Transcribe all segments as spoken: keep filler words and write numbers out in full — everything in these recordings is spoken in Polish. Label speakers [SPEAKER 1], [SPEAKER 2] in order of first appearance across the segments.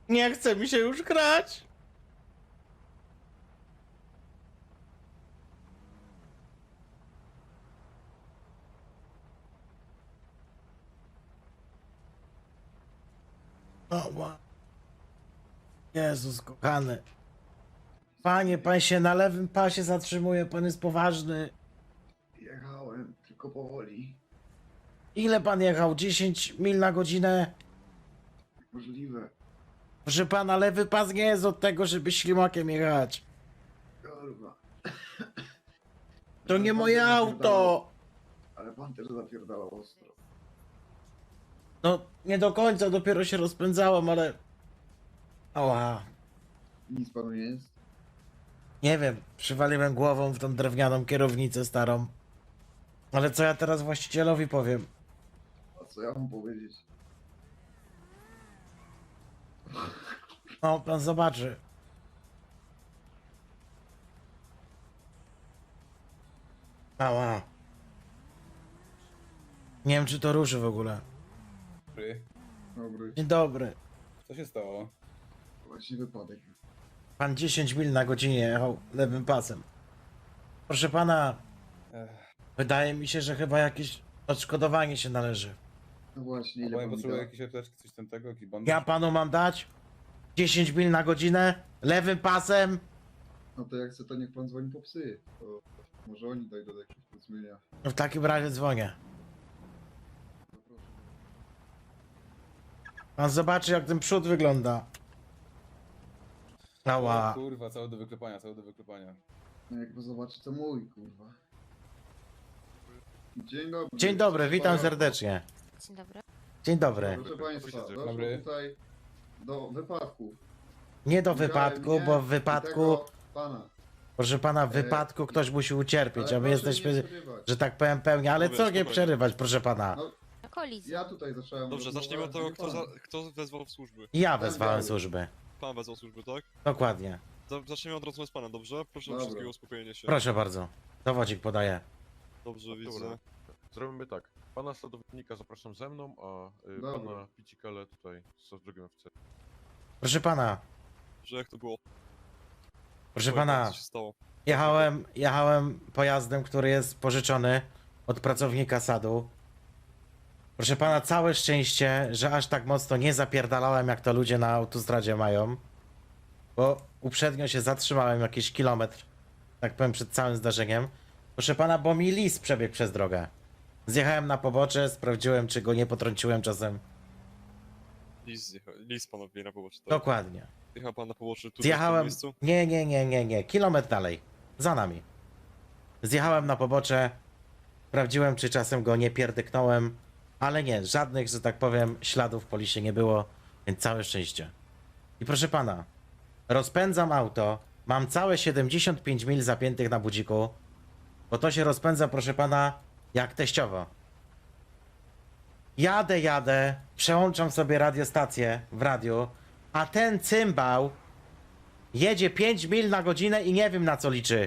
[SPEAKER 1] Nie chce mi się już grać. Oła. Jezus kochany. Panie, pan się na lewym pasie zatrzymuje, pan jest poważny.
[SPEAKER 2] Jechałem, tylko powoli.
[SPEAKER 1] Ile pan jechał? dziesięć mil na godzinę?
[SPEAKER 2] Możliwe.
[SPEAKER 1] Proszę pana, lewy pas nie jest od tego, żeby ślimakiem jechać.
[SPEAKER 2] Kurwa.
[SPEAKER 1] To
[SPEAKER 2] Ale
[SPEAKER 1] nie
[SPEAKER 2] pan
[SPEAKER 1] moje
[SPEAKER 2] też
[SPEAKER 1] auto.
[SPEAKER 2] zapierdalał- Ale pan też zapierdalał ostro.
[SPEAKER 1] No, nie do końca, dopiero się rozpędzałem, ale... Ała.
[SPEAKER 2] Nic panu nie jest?
[SPEAKER 1] Nie wiem, przywaliłem głową w tą drewnianą kierownicę starą. Ale co ja teraz właścicielowi powiem?
[SPEAKER 2] A co ja mam powiedzieć?
[SPEAKER 1] No, pan zobaczy. Ała. Nie wiem, czy to ruszy w ogóle.
[SPEAKER 3] Dobry.
[SPEAKER 2] Dobry.
[SPEAKER 1] Dzień dobry.
[SPEAKER 3] Co się stało?
[SPEAKER 2] Właśnie wypadek.
[SPEAKER 1] Pan dziesięć mil na godzinie jechał lewym pasem. Proszę pana,
[SPEAKER 3] Ech,
[SPEAKER 1] wydaje mi się, że chyba jakieś odszkodowanie się należy.
[SPEAKER 2] No właśnie,
[SPEAKER 3] a
[SPEAKER 2] ile
[SPEAKER 3] bo ja
[SPEAKER 2] pan mi
[SPEAKER 3] potrzebuję
[SPEAKER 2] da?
[SPEAKER 3] jakiejś apteczki, coś tam tego, jakiś bandaż?
[SPEAKER 1] Ja panu mam dać dziesięć mil na godzinę lewym pasem.
[SPEAKER 2] No to jak chce, to niech pan dzwoni po psy. To może oni dojdą do jakiegoś porozumienia.
[SPEAKER 1] W takim razie dzwonię.
[SPEAKER 2] No proszę.
[SPEAKER 1] Pan zobaczy, jak ten przód wygląda.
[SPEAKER 3] O,
[SPEAKER 1] Ała.
[SPEAKER 3] kurwa, cały do wyklepania, cały do wyklepania.
[SPEAKER 2] No jak pan zobaczy, to mój, kurwa. Dzień dobry.
[SPEAKER 1] Dzień dobry,
[SPEAKER 2] Proszę
[SPEAKER 1] witam
[SPEAKER 2] pana.
[SPEAKER 1] serdecznie.
[SPEAKER 4] Dzień dobry.
[SPEAKER 1] Dzień dobry.
[SPEAKER 2] Proszę państwa, doszło
[SPEAKER 3] Dobry.
[SPEAKER 2] tutaj do wypadków.
[SPEAKER 1] Nie do
[SPEAKER 2] Widziałem
[SPEAKER 1] wypadku,
[SPEAKER 2] mnie
[SPEAKER 1] bo w
[SPEAKER 2] i
[SPEAKER 1] wypadku,
[SPEAKER 2] tego pana.
[SPEAKER 1] proszę pana, w wypadku ktoś musi ucierpieć,
[SPEAKER 2] Ale
[SPEAKER 1] a my
[SPEAKER 2] proszę
[SPEAKER 1] jesteśmy,
[SPEAKER 2] nie przerywać.
[SPEAKER 1] że tak powiem, pełni. Ale
[SPEAKER 5] Mówię,
[SPEAKER 1] co nie
[SPEAKER 5] spokojnie.
[SPEAKER 1] przerywać, proszę pana?
[SPEAKER 2] No,
[SPEAKER 4] Kolizja.
[SPEAKER 2] ja tutaj zacząłem.
[SPEAKER 5] Dobrze,
[SPEAKER 2] rozmowę,
[SPEAKER 5] zacznijmy od tego,
[SPEAKER 2] nie
[SPEAKER 5] kto,
[SPEAKER 2] pan.
[SPEAKER 5] za, kto wezwał w służby.
[SPEAKER 1] Ja
[SPEAKER 2] Pan
[SPEAKER 1] wezwałem
[SPEAKER 2] biały.
[SPEAKER 1] służby.
[SPEAKER 5] Pan wezwał służby, tak?
[SPEAKER 1] Dokładnie.
[SPEAKER 5] Za- Zacznijmy od rozmowy z panem, dobrze? Proszę o
[SPEAKER 2] Dobra.
[SPEAKER 5] wszystkiego uspokojenie się.
[SPEAKER 1] Proszę bardzo. Dowodzik podaję.
[SPEAKER 5] Dobrze,
[SPEAKER 6] Dobra.
[SPEAKER 5] widzę.
[SPEAKER 6] Zrobimy tak. Pana sadownika zapraszam ze mną, a y,
[SPEAKER 2] Dobra.
[SPEAKER 6] pana Picikale tutaj z drugim oficerem.
[SPEAKER 1] Proszę pana,
[SPEAKER 5] Że jak to było?
[SPEAKER 1] proszę
[SPEAKER 5] Powiem pan,
[SPEAKER 1] pana,
[SPEAKER 5] Co się stało?
[SPEAKER 1] jechałem, jechałem pojazdem, który jest pożyczony od pracownika sadu. Proszę pana, całe szczęście, że aż tak mocno nie zapierdalałem, jak to ludzie na autostradzie mają. Bo uprzednio się zatrzymałem jakiś kilometr, tak powiem, przed całym zdarzeniem. Proszę pana, bo mi lis przebiegł przez drogę. Zjechałem na pobocze, sprawdziłem, czy go nie potrąciłem czasem.
[SPEAKER 5] Lis, zjecha- lis pan odbije na pobocze, tak?
[SPEAKER 1] Dokładnie.
[SPEAKER 5] Jechał pan na pobocze tu w tym
[SPEAKER 1] Zjechałem.
[SPEAKER 5] miejscu?
[SPEAKER 1] Nie, nie, nie, nie, nie. Kilometr dalej. Za nami. Zjechałem na pobocze. Sprawdziłem, czy czasem go nie pierdyknąłem. Ale nie, żadnych, że tak powiem, śladów po liście nie było, więc całe szczęście. I proszę pana, rozpędzam auto. Mam całe siedemdziesiąt pięć mil zapiętych na budziku. Bo to się rozpędza, proszę pana, jak teściowo. Jadę, jadę, przełączam sobie radiostację w radiu, a ten cymbał jedzie pięć mil na godzinę i nie wiem, na co liczy.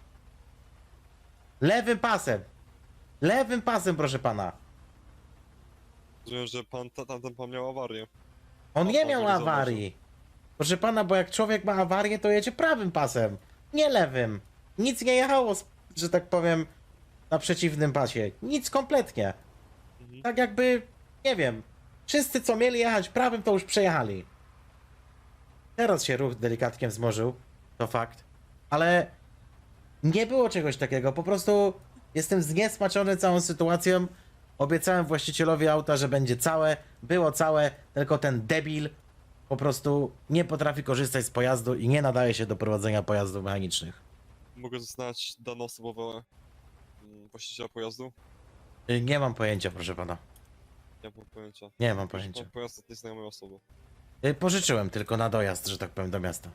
[SPEAKER 1] Lewym pasem. Lewym pasem, proszę pana.
[SPEAKER 5] Rozumiem, że pan, ta, tamten pan miał awarię.
[SPEAKER 1] On
[SPEAKER 5] O,
[SPEAKER 1] nie
[SPEAKER 5] pan
[SPEAKER 1] miał
[SPEAKER 5] nie zauważył.
[SPEAKER 1] awarii. Proszę pana, bo jak człowiek ma awarię, to jedzie prawym pasem, nie lewym. Nic nie jechało, z- że tak powiem, na przeciwnym pasie. Nic kompletnie.
[SPEAKER 5] Mhm.
[SPEAKER 1] Tak jakby, nie wiem, wszyscy co mieli jechać prawym, to już przejechali. Teraz się ruch delikatnie wzmożył, to fakt. Ale nie było czegoś takiego, po prostu jestem zniesmaczony całą sytuacją. Obiecałem właścicielowi auta, że będzie całe, było całe, tylko ten debil po prostu nie potrafi korzystać z pojazdu i nie nadaje się do prowadzenia pojazdów mechanicznych.
[SPEAKER 5] Mogę znać dane osobowe mm, właściciela pojazdu?
[SPEAKER 1] Y, Nie mam pojęcia, proszę pana.
[SPEAKER 5] Nie mam pojęcia.
[SPEAKER 1] Nie mam
[SPEAKER 5] Proszę
[SPEAKER 1] pojęcia.
[SPEAKER 5] pan pojazd od nieznajomej osoby.
[SPEAKER 1] Y, Pożyczyłem tylko na dojazd, że tak powiem, do miasta.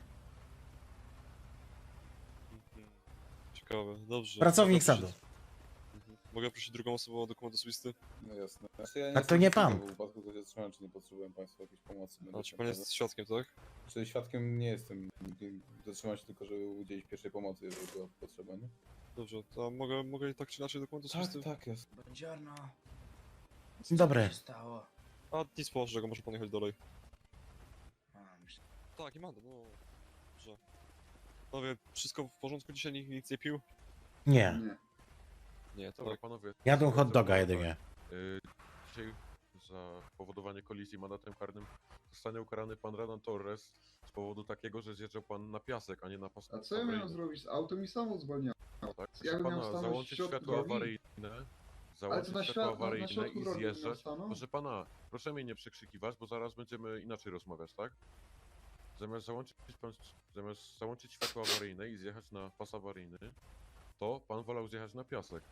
[SPEAKER 5] Mhm. Ciekawe, dobrze.
[SPEAKER 1] Pracownik
[SPEAKER 5] Mogę
[SPEAKER 1] sadu.
[SPEAKER 5] prosić- Mhm. Mogę prosić drugą osobę o dokument osobisty?
[SPEAKER 3] No jasne. Znaczy, ja
[SPEAKER 1] A to nie pan.
[SPEAKER 3] W wypadku to się zatrzymałem, czy nie potrzebowałem państwa jakiejś pomocy.
[SPEAKER 5] A czy
[SPEAKER 3] medycznej,
[SPEAKER 5] pan
[SPEAKER 3] prawda?
[SPEAKER 5] jest świadkiem, tak?
[SPEAKER 3] Czy świadkiem nie jestem. Zatrzymałem się tylko, żeby udzielić pierwszej pomocy, jeżeli była potrzeba, nie?
[SPEAKER 5] Dobrze, to mogę, mogę i tak czy inaczej dokument osobisty?
[SPEAKER 3] tak, jest.
[SPEAKER 2] Buongiorno.
[SPEAKER 1] Dzień dobry.
[SPEAKER 2] Co się stało?
[SPEAKER 5] A nic poważnego, może pan jechać dalej.
[SPEAKER 2] A, myślę,
[SPEAKER 5] Tak, i Mando, no. Dobrze. Panowie, wszystko w porządku? Dzisiaj nikt nic nie pił?
[SPEAKER 1] Nie.
[SPEAKER 2] Nie.
[SPEAKER 5] Nie, to
[SPEAKER 6] Dobra,
[SPEAKER 5] tak.
[SPEAKER 6] panowie.
[SPEAKER 1] Jadą hot
[SPEAKER 6] sytuacja
[SPEAKER 1] doga
[SPEAKER 6] wygląda
[SPEAKER 1] jedynie.
[SPEAKER 6] tak. Y, Dzisiaj za powodowanie kolizji mandatem karnym zostanie ukarany pan Renan Torres z powodu takiego, że zjeżdżał pan na piasek, a nie na pas
[SPEAKER 2] A co ja miałem
[SPEAKER 6] awaryjny.
[SPEAKER 2] zrobić? Z autem i samo zwolniłem.
[SPEAKER 6] Tak?
[SPEAKER 2] Ja
[SPEAKER 6] Proszę
[SPEAKER 2] bym miał
[SPEAKER 6] pana,
[SPEAKER 2] stanąć w
[SPEAKER 6] załączyć
[SPEAKER 2] środku
[SPEAKER 6] światło
[SPEAKER 2] drogi?
[SPEAKER 6] awaryjne,
[SPEAKER 2] Ale
[SPEAKER 6] załączyć
[SPEAKER 2] to na,
[SPEAKER 6] światło
[SPEAKER 2] świat, na, na
[SPEAKER 6] awaryjne
[SPEAKER 2] środku
[SPEAKER 6] i
[SPEAKER 2] drogi bym miał
[SPEAKER 6] zjeżdżać.
[SPEAKER 2] stanąć?
[SPEAKER 6] Proszę pana, proszę mnie nie przekrzykiwać, bo zaraz będziemy inaczej rozmawiać, tak? Zamiast załączyć, pan, zamiast załączyć światło awaryjne i zjechać na pas awaryjny, to pan wolał zjechać na piasek.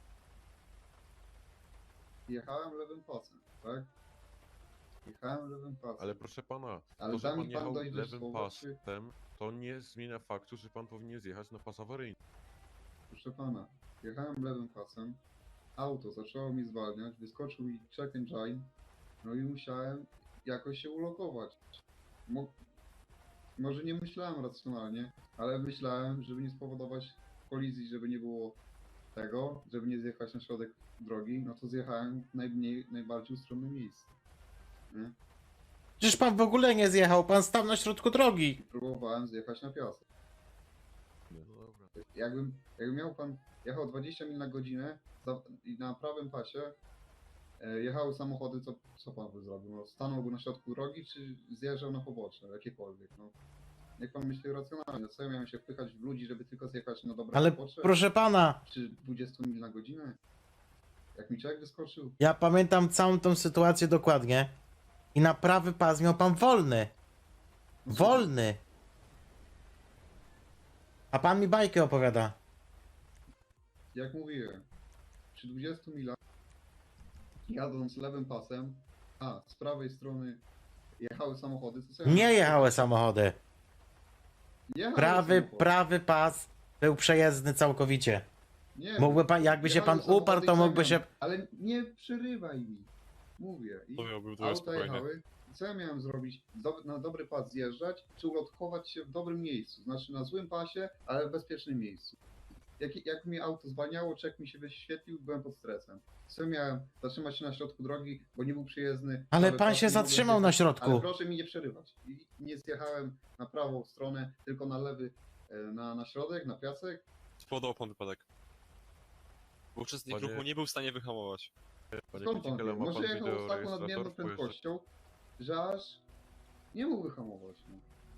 [SPEAKER 2] Jechałem lewym pasem, tak? Jechałem lewym pasem.
[SPEAKER 6] Ale proszę pana,
[SPEAKER 2] Ale
[SPEAKER 6] to, że
[SPEAKER 2] da mi
[SPEAKER 6] pan
[SPEAKER 2] pan
[SPEAKER 6] jechał
[SPEAKER 2] dojść do
[SPEAKER 6] lewym
[SPEAKER 2] słowa, czy-
[SPEAKER 6] pasem, to nie zmienia faktu, że pan powinien zjechać na pas awaryjny.
[SPEAKER 2] Proszę pana, jechałem lewym pasem, auto zaczęło mi zwalniać, wyskoczył mi check engine, no i musiałem jakoś się ulokować. Mo może nie myślałem racjonalnie, ale myślałem, żeby nie spowodować kolizji, żeby nie było tego, żeby nie zjechać na środek drogi, no to zjechałem w najmniej, najbardziej ustronne miejsce. Nie?
[SPEAKER 1] Przecież pan w ogóle nie zjechał, pan stał na środku drogi.
[SPEAKER 2] I próbowałem zjechać na piasek.
[SPEAKER 6] No dobra.
[SPEAKER 2] Jakbym, jakby miał pan jechał dwadzieścia mil na godzinę za, i na prawym pasie e, jechały samochody, co, co pan by zrobił? No, stanąłby na środku drogi, czy zjeżdżał na pobocze, jakiekolwiek? No. Niech pan myśli racjonalnie. Co ja miałem się wpychać w ludzi, żeby tylko zjechać na dobre
[SPEAKER 1] Ale
[SPEAKER 2] pobocze?
[SPEAKER 1] proszę pana,
[SPEAKER 2] Czy dwadzieścia mil na godzinę? Jak mi człowiek wyskoczył?
[SPEAKER 1] ja pamiętam całą tą sytuację dokładnie. I na prawy pas miał pan wolny.
[SPEAKER 2] No,
[SPEAKER 1] Wolny. A pan mi bajkę opowiada.
[SPEAKER 2] Jak mówiłem, przy dwudziestu milach jadąc lewym pasem, a z prawej strony jechały samochody, to co ja
[SPEAKER 1] Nie
[SPEAKER 2] miałem-
[SPEAKER 1] jechały samochody.
[SPEAKER 2] Jechały
[SPEAKER 1] Prawy,
[SPEAKER 2] samochody.
[SPEAKER 1] prawy pas był przejezdny całkowicie.
[SPEAKER 2] Nie,
[SPEAKER 1] Mógłby pan, jakby się
[SPEAKER 2] jechały
[SPEAKER 1] pan uparł,
[SPEAKER 2] samochody
[SPEAKER 1] to
[SPEAKER 2] i co ja
[SPEAKER 1] mógłby się...
[SPEAKER 2] miałem? Ale nie przerywaj mi. Mówię. I
[SPEAKER 5] To miał był to
[SPEAKER 2] auta
[SPEAKER 5] spokojnie.
[SPEAKER 2] jechały. I co ja miałem zrobić? Do, na dobry pas zjeżdżać, czy ulotkować się w dobrym miejscu? Znaczy na złym pasie, ale w bezpiecznym miejscu. Jak, jak mi auto zwalniało, czek mi się wyświetlił, byłem pod stresem. Co miałem? Zatrzymać się na środku drogi, bo nie był przyjezdny.
[SPEAKER 1] Ale
[SPEAKER 2] prawy
[SPEAKER 1] pan
[SPEAKER 2] pas,
[SPEAKER 1] się
[SPEAKER 2] nie mogłem
[SPEAKER 1] zatrzymał na
[SPEAKER 2] zjechać. Ale
[SPEAKER 1] środku.
[SPEAKER 2] proszę mi nie przerywać. I nie zjechałem na prawą stronę, tylko na lewy, e, na, na środek, na piasek.
[SPEAKER 5] Spowodował pan wypadek. Bo uczestnik
[SPEAKER 6] Panie-
[SPEAKER 5] ruchu nie był w stanie wyhamować.
[SPEAKER 6] Panie
[SPEAKER 2] Skąd pan
[SPEAKER 6] Kucikele,
[SPEAKER 2] wie?
[SPEAKER 6] ma
[SPEAKER 2] Może
[SPEAKER 6] pan
[SPEAKER 2] jechał
[SPEAKER 6] wideo
[SPEAKER 2] z taką nadmierną
[SPEAKER 6] rejestrator? Pojeżdża-
[SPEAKER 2] prędkością, że aż nie mógł wyhamować. No.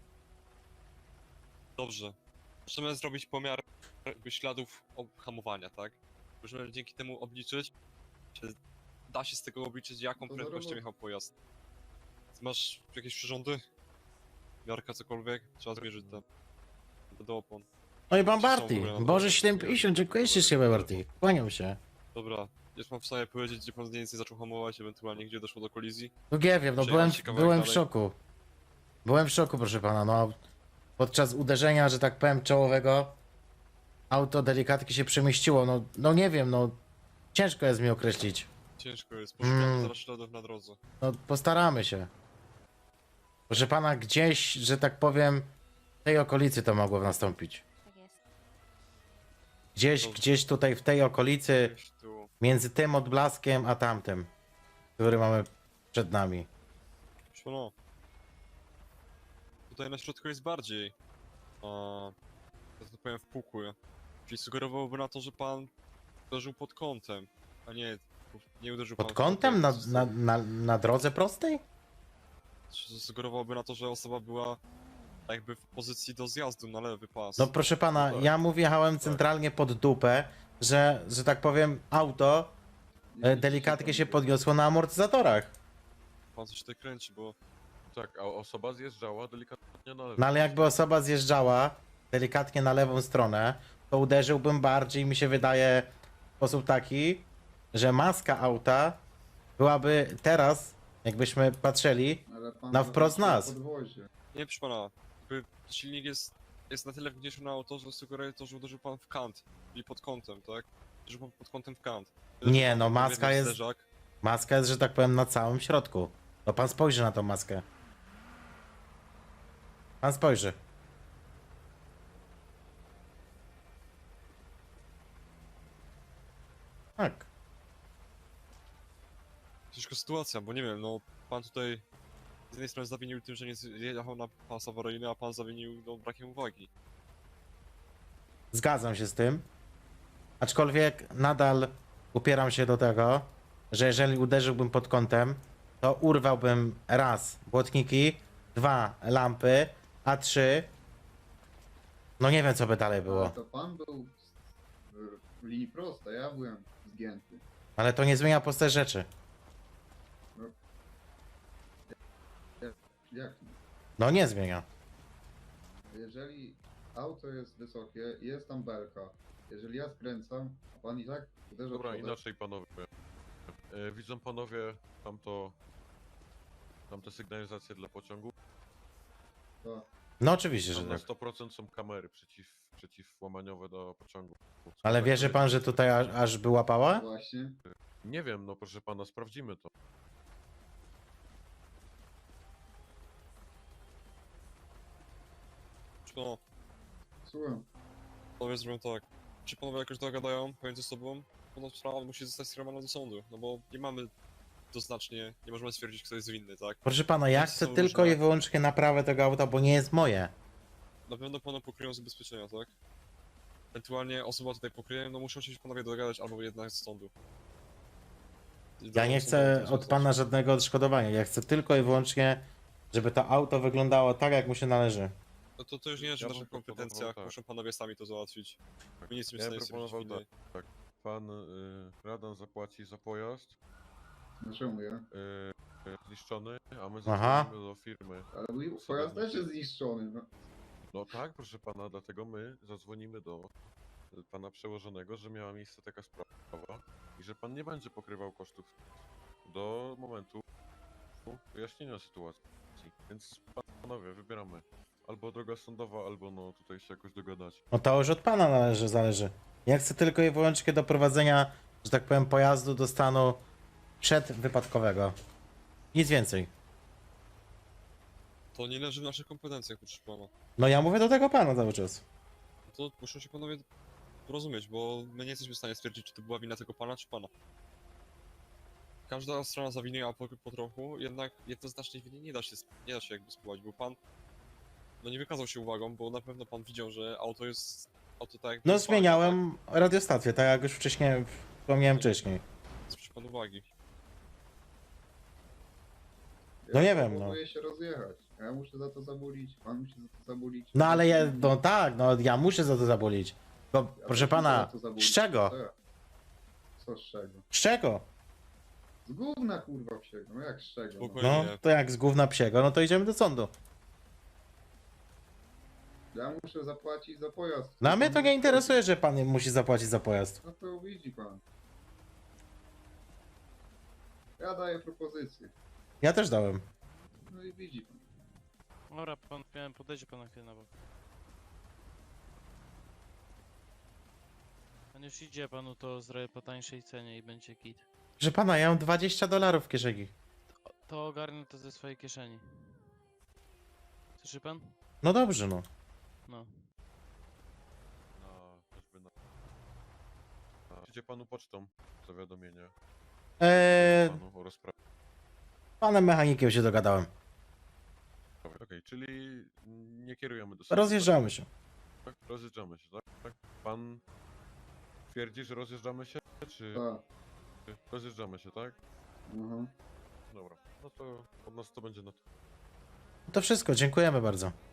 [SPEAKER 5] Dobrze. Możemy zrobić pomiar jakby śladów hamowania, tak? Możemy dzięki temu obliczyć, czy da się z tego obliczyć, jaką
[SPEAKER 2] To
[SPEAKER 5] prędkością
[SPEAKER 2] zarobo-
[SPEAKER 5] jechał pojazd. Masz jakieś przyrządy? Miarka, cokolwiek? Trzeba zmierzyć te do opon.
[SPEAKER 1] No i pan
[SPEAKER 5] Czy są w
[SPEAKER 1] Barty.
[SPEAKER 5] ogóle na
[SPEAKER 1] Boże
[SPEAKER 5] drodze?
[SPEAKER 1] siedem pięćdziesiąt, dziękuję ślicznie Barty. Kłaniam się.
[SPEAKER 5] Dobra, jest pan w stanie powiedzieć, gdzie pan mniej więcej zaczął hamować, ewentualnie gdzie doszło do kolizji?
[SPEAKER 1] No nie wiem, no
[SPEAKER 5] Przejechać
[SPEAKER 1] byłem,
[SPEAKER 5] się kawałek
[SPEAKER 1] byłem w
[SPEAKER 5] dalej.
[SPEAKER 1] szoku. Byłem w szoku, proszę pana, no. Podczas uderzenia, że tak powiem, czołowego, auto delikatnie się przemieściło, no, no nie wiem, no. Ciężko jest mi określić.
[SPEAKER 5] Ciężko jest, poszukamy
[SPEAKER 1] Mm.
[SPEAKER 5] zaraz śladów na drodze.
[SPEAKER 1] No postaramy się. Proszę pana, gdzieś, że tak powiem, w tej okolicy to mogło nastąpić.
[SPEAKER 4] Tak jest.
[SPEAKER 1] Gdzieś,
[SPEAKER 5] Dobrze.
[SPEAKER 1] gdzieś tutaj w tej okolicy,
[SPEAKER 5] Gdzieś tu.
[SPEAKER 1] między tym odblaskiem a tamtym, który mamy przed nami.
[SPEAKER 5] Proszę pana. Tutaj na środku jest bardziej, a, że tak powiem, wpukły. Czyli sugerowałoby na to, że pan uderzył pod kątem, a nie, nie uderzył pan
[SPEAKER 1] Pod
[SPEAKER 5] w
[SPEAKER 1] kątem? Na,
[SPEAKER 5] kątem.
[SPEAKER 1] na, na, na drodze prostej?
[SPEAKER 5] Sugerowałoby na to, że osoba była jakby w pozycji do zjazdu na lewy pas.
[SPEAKER 1] No proszę pana,
[SPEAKER 6] No tak.
[SPEAKER 1] ja mu wjechałem centralnie pod dupę, że, że tak powiem, auto e, delikatnie się podniosło na amortyzatorach.
[SPEAKER 5] Pan coś tutaj kręci, bo
[SPEAKER 6] Tak, a osoba zjeżdżała delikatnie na lewo.
[SPEAKER 1] No ale jakby osoba zjeżdżała delikatnie na lewą stronę, to uderzyłbym bardziej, mi się wydaje, w sposób taki, że maska auta byłaby teraz, jakbyśmy patrzyli,
[SPEAKER 2] Ale pan
[SPEAKER 1] Na wprost
[SPEAKER 2] zobaczył
[SPEAKER 1] nas.
[SPEAKER 2] podwozie.
[SPEAKER 5] nie, proszę pana, jakby silnik jest, jest na tyle wgniesiony na auto, że sugeruje to, że uderzył pan w kant, czyli pod kątem, tak? Uderzył pan pod kątem w kant.
[SPEAKER 1] Nie,
[SPEAKER 5] Pan
[SPEAKER 1] no,
[SPEAKER 5] podwójny
[SPEAKER 1] maska jest-
[SPEAKER 5] zderzak.
[SPEAKER 1] maska jest, że tak powiem, na całym środku. No pan spojrzy na tą maskę. Pan spojrzy. Tak.
[SPEAKER 5] Ciężka sytuacja, bo nie wiem, no pan tutaj z jednej strony zawinił tym, że nie zjechał na pas awaryjny, a pan zawinił no, brakiem uwagi.
[SPEAKER 1] Zgadzam się z tym. Aczkolwiek nadal upieram się do tego, że jeżeli uderzyłbym pod kątem, to urwałbym raz błotniki, dwa lampy, a trzy. No nie wiem, co by dalej
[SPEAKER 2] Ale
[SPEAKER 1] było.
[SPEAKER 2] to pan był w- w linii prostej, ja byłem zgięty.
[SPEAKER 1] Ale to nie zmienia prostej rzeczy.
[SPEAKER 2] Jak?
[SPEAKER 1] No nie zmienia.
[SPEAKER 2] Jeżeli auto jest wysokie, jest tam belka. Jeżeli ja skręcam, a pan i tak uderza
[SPEAKER 6] Dobra,
[SPEAKER 2] przodem,
[SPEAKER 6] inaczej panowie. E, widzą panowie tamto... Tamte sygnalizacje dla pociągu?
[SPEAKER 2] to
[SPEAKER 1] No oczywiście, że
[SPEAKER 6] Tam na
[SPEAKER 1] tak.
[SPEAKER 6] sto procent są kamery przeciw, przeciwłamaniowe do pociągu.
[SPEAKER 1] Ale wierzy pan, że tutaj aż, aż by łapała?
[SPEAKER 2] właśnie.
[SPEAKER 6] Nie wiem, no proszę pana, sprawdzimy to.
[SPEAKER 5] Czy no,
[SPEAKER 2] Słucham.
[SPEAKER 5] panowie zrobią tak. Czy panowie jakoś dogadają pomiędzy sobą? No sprawa musi zostać skierowana do sądu, no bo nie mamy doznacznie, nie możemy stwierdzić, kto jest winny, tak?
[SPEAKER 1] Proszę pana, ja
[SPEAKER 5] Wszyscy
[SPEAKER 1] chcę
[SPEAKER 5] są
[SPEAKER 1] tylko
[SPEAKER 5] różne.
[SPEAKER 1] i wyłącznie naprawę tego auta, bo nie jest moje.
[SPEAKER 5] Na pewno pana pokryją zabezpieczenia, tak? Ewentualnie osoba tutaj pokryje, no muszą się panowie dogadać albo jednak z sądu.
[SPEAKER 1] Ja nie chcę od pana żadnego odszkodowania. Ja chcę tylko i wyłącznie, żeby to auto wyglądało tak, jak mu się należy.
[SPEAKER 5] No to, to już nie leży
[SPEAKER 6] Ja
[SPEAKER 5] w naszych
[SPEAKER 6] bym proponował
[SPEAKER 5] kompetencjach,
[SPEAKER 6] tak.
[SPEAKER 5] muszą panowie sami to załatwić. My nie jesteśmy w
[SPEAKER 6] Ja
[SPEAKER 5] stanie
[SPEAKER 6] bym
[SPEAKER 5] stwierdzić
[SPEAKER 6] proponował
[SPEAKER 5] winy.
[SPEAKER 6] tak. Pan y, Radan zapłaci za pojazd
[SPEAKER 2] Dlaczego ja?
[SPEAKER 6] y, y, zniszczony, a my
[SPEAKER 1] Aha.
[SPEAKER 6] zadzwonimy do firmy.
[SPEAKER 2] Ale mój pojazd też jest zniszczony. No.
[SPEAKER 6] No tak, proszę pana, dlatego my zadzwonimy do y, pana przełożonego, że miała miejsce taka sprawa i że pan nie będzie pokrywał kosztów do momentu wyjaśnienia sytuacji. Więc panowie, wybieramy. Albo droga sądowa, albo no tutaj się jakoś dogadać.
[SPEAKER 1] No to już od pana należy, zależy. Ja chcę tylko i wyłącznie doprowadzenia, że tak powiem, pojazdu do stanu przedwypadkowego. Nic więcej.
[SPEAKER 5] To nie leży w naszych kompetencjach, proszę pana.
[SPEAKER 1] No ja mówię do tego pana cały czas.
[SPEAKER 5] To muszą się panowie porozumieć, bo my nie jesteśmy w stanie stwierdzić, czy to była wina tego pana, czy pana. Każda strona zawiniła po, po trochu, jednak jednoznacznie winy nie da się, sp- nie da się jakby spływać, bo pan no nie wykazał się uwagą, bo na pewno pan widział, że auto jest, auto tak jakby
[SPEAKER 1] No
[SPEAKER 5] jest ważne,
[SPEAKER 1] zmieniałem radiostację, tak jak już wcześniej wspomniałem wcześniej.
[SPEAKER 5] tak? Zwróć pan uwagi.
[SPEAKER 1] No
[SPEAKER 2] Ja
[SPEAKER 1] nie wiem, no.
[SPEAKER 2] próbuję się rozjechać. Ja muszę za to zabulić, pan musi za to zabulić.
[SPEAKER 1] No ale ja, no tak, no ja muszę za to zabolić. Bo
[SPEAKER 2] Ja
[SPEAKER 1] proszę
[SPEAKER 2] też muszę
[SPEAKER 1] pana,
[SPEAKER 2] za to zabulić.
[SPEAKER 1] z czego?
[SPEAKER 2] Co ja? Co z czego?
[SPEAKER 1] Z czego?
[SPEAKER 2] Z gówna kurwa psiego, no jak z czego? No.
[SPEAKER 5] Spokojnie.
[SPEAKER 1] No to jak z gówna psiego, no to idziemy do sądu.
[SPEAKER 2] Ja muszę zapłacić za pojazd.
[SPEAKER 1] No a mnie to nie interesuje, że pan musi zapłacić za pojazd.
[SPEAKER 2] No to widzi pan. Ja daję propozycję.
[SPEAKER 1] Ja też dałem.
[SPEAKER 2] No i widzi pan.
[SPEAKER 4] Dobra, pan, miałem podejdzie pan na chwilę na bok. Pan już idzie, panu to zrobię po tańszej cenie i będzie git.
[SPEAKER 1] Proszę pana, ja mam dwadzieścia dolarów w kieszeni.
[SPEAKER 4] To ogarnę to ze swojej kieszeni. Słyszy pan?
[SPEAKER 1] No dobrze, no.
[SPEAKER 4] No.
[SPEAKER 6] Na, choćby na... na... Idzie panu pocztą zawiadomienie
[SPEAKER 1] Eee,
[SPEAKER 6] panu o rozprawie.
[SPEAKER 1] panem mechanikiem się dogadałem.
[SPEAKER 6] Okej, czyli nie kierujemy do sądu.
[SPEAKER 1] Rozjeżdżamy się.
[SPEAKER 6] Tak? Rozjeżdżamy się, tak? tak? Pan twierdzi, że rozjeżdżamy się, czy
[SPEAKER 2] Tak.
[SPEAKER 6] rozjeżdżamy się, tak?
[SPEAKER 2] Mhm.
[SPEAKER 6] Dobra, no to od nas to będzie na to.
[SPEAKER 1] To wszystko, dziękujemy bardzo.